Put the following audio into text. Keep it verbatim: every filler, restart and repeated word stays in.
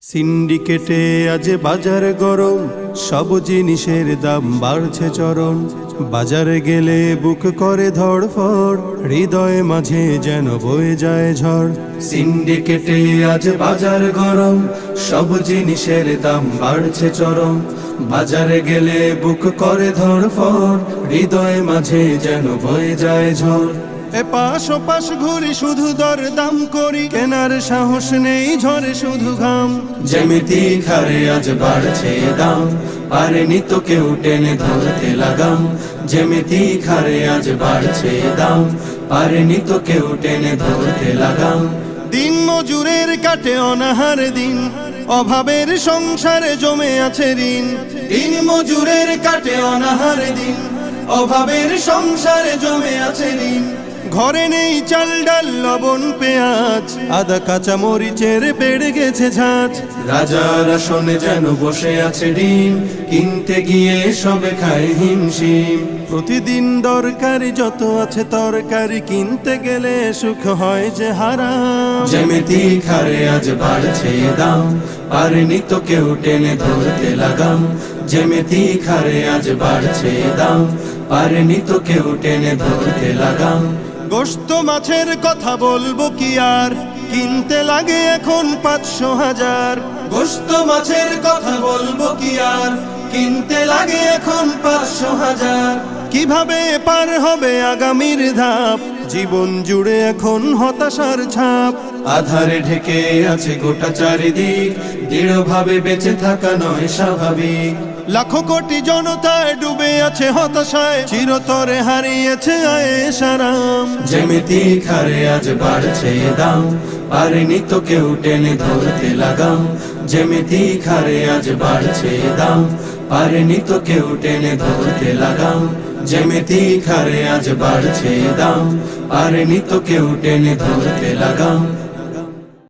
সিন্ডিকেটে আজ বাজার গরম, সব জিনিসের দাম বাড়ছে চরম। বাজারে গেলে বুক করে ধড়ফড়, হৃদয় মাঝে যেন বয়ে যায় ঝড়। সিন্ডিকেটে আজ বাজার গরম, সব জিনিসের দাম বাড়ছে চরম। বাজারে গেলে বুক করে ধড়ফড়, হৃদয় মাঝে যেন বয়ে যায় ঝড়। এপাশ ওপাশ ঘুরি শুধু দর দাম করি, কেনার সাহস নেই ঝরে শুধু ঘাম। যেমিতি খারে আজ বাড়ছে দাম, পারেনি তো কেউ টেনে ধরতে লাগাম। যেমিতি খারে আজ বাড়ছে দাম, পারেনি তো কেউ টেনে ধরতে লাগাম। দিন মজুরের কাটে অনাহার দিন, অভাবের সংসারে জমে আছে ঋণ। দিন মজুরের কাটে অনাহার দিন, অভাবের সংসারে জমে আছে ঋণ। ঘরে নেই চাল ডাল লবণ পেঁয়াজ, আদা কাঁচা মরিচের বেড়ে গেছে ঝাঁজ। রাজার আসনে যেন বসে আছে ডিম, কিনতে গিয়ে সবে খায় হিমশিম। প্রতিদিন দরকারি যত আছে তরকারি, কিনতে গেলে সুখ হয় যে হারাম। যেমিতি খারে আজ বাড়ছে দাম, পারেনি তো কেউ টেনে ধরতে লাগাম। যেমিতি খারে আজ বাড়ছে দাম, পারেনি তো কেউ টেনে ধরতে লাগাম। গোশত মাছের কথা বলবো কি আর, কিনতে লাগে এখন পাঁচশো হাজার। গোশত মাছের কথা বলবো কি আর, কিনতে লাগে এখন পাঁচশো হাজার। কিভাবে পার হবে আগামীর ধাপ, জীবন জুড়ে এখন হতাশার ছাপ। আধারে ঢেকে আছে গোটা চারিদিক, দৃঢ়ভাবে বেঁচে থাকা নয় স্বাভাবিক। লাখো কোটি জনতায় ডুবে আছে হতাশায়, চিরতরে হারিয়েছে আয়েশ আরাম। যেমিতি খারে আজ বাড়ছে দাম, পারেনি তো কেউ টেনে ধরতে লাগাম। যেমিতি খারে আজ বাড়ছে দাম, পারেনি তো কেউ টেনে ধরতে লাগাম। যেমিতি খারে আজ বাড়ছে দাম, পারেনি তো কেউ টেনে ধরতে লাগাম।